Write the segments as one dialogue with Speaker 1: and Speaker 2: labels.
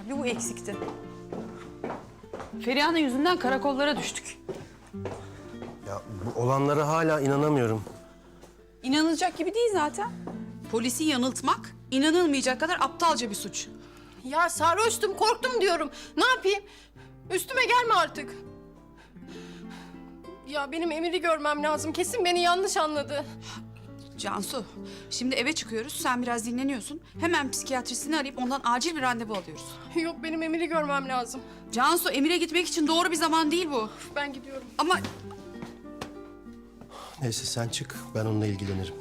Speaker 1: Bir bu eksikti. Feriha'nın yüzünden karakollara düştük.
Speaker 2: Ya bu olanlara hala inanamıyorum.
Speaker 1: İnanılacak gibi değil zaten. Polisi yanıltmak inanılmayacak kadar aptalca bir suç.
Speaker 3: Ya sarhoştum, korktum diyorum. Ne yapayım? Üstüme gelme artık. Ya benim Emir'i görmem lazım. Kesin beni yanlış anladı.
Speaker 1: Cansu, şimdi eve çıkıyoruz. Sen biraz dinleniyorsun. Hemen psikiyatrisini arayıp ondan acil bir randevu alıyoruz.
Speaker 3: Yok, benim Emir'i görmem lazım.
Speaker 1: Cansu, Emir'e gitmek için doğru bir zaman değil bu.
Speaker 3: Ben gidiyorum.
Speaker 1: Ama
Speaker 2: Neyse sen çık, ben onunla ilgilenirim.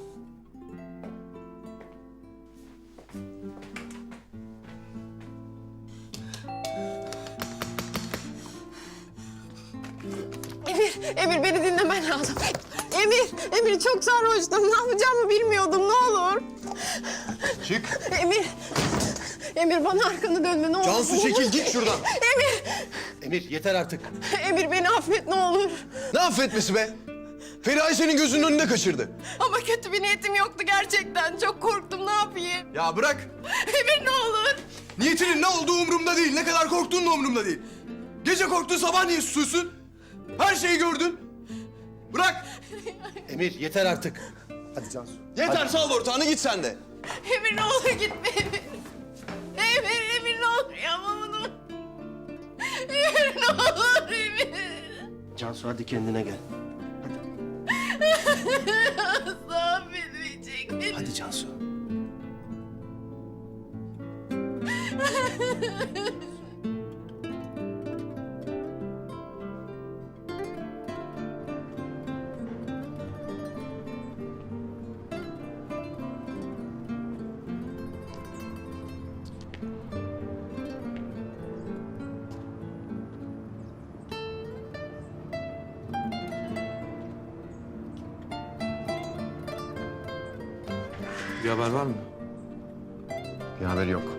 Speaker 3: Emir beni dinlemen lazım. Emir çok sarhoştum. Ne yapacağımı bilmiyordum. Ne olur.
Speaker 2: Çık.
Speaker 3: Emir bana arkanı dönme ne olur.
Speaker 2: Cansu çekil, git şuradan.
Speaker 3: Emir!
Speaker 2: Emir yeter artık.
Speaker 3: Emir beni affet ne olur.
Speaker 4: Ne affetmesi be? Feriha senin gözünün önünde kaçırdı.
Speaker 3: Ama kötü bir niyetim yoktu gerçekten. Çok korktum, ne yapayım?
Speaker 4: Ya bırak.
Speaker 3: Emir ne olur.
Speaker 4: Niyetinin ne olduğu umurumda değil. Ne kadar korktuğun da umurumda değil. Gece korktun, sabah niye susuyorsun? Her şeyi gördün. Bırak.
Speaker 2: Emir yeter artık. Hadi Cansu.
Speaker 4: Yeter, sal ortağını, git sen de.
Speaker 3: Emir ne olur gitme Emir. Emir ne olur yapma bunu. Emir ne olur Emir.
Speaker 2: Cansu hadi kendine gel.
Speaker 3: Asla affetmeyecek beni.
Speaker 2: Hadi Cansu.
Speaker 4: Bir haber var mı?
Speaker 2: Bir haber yok.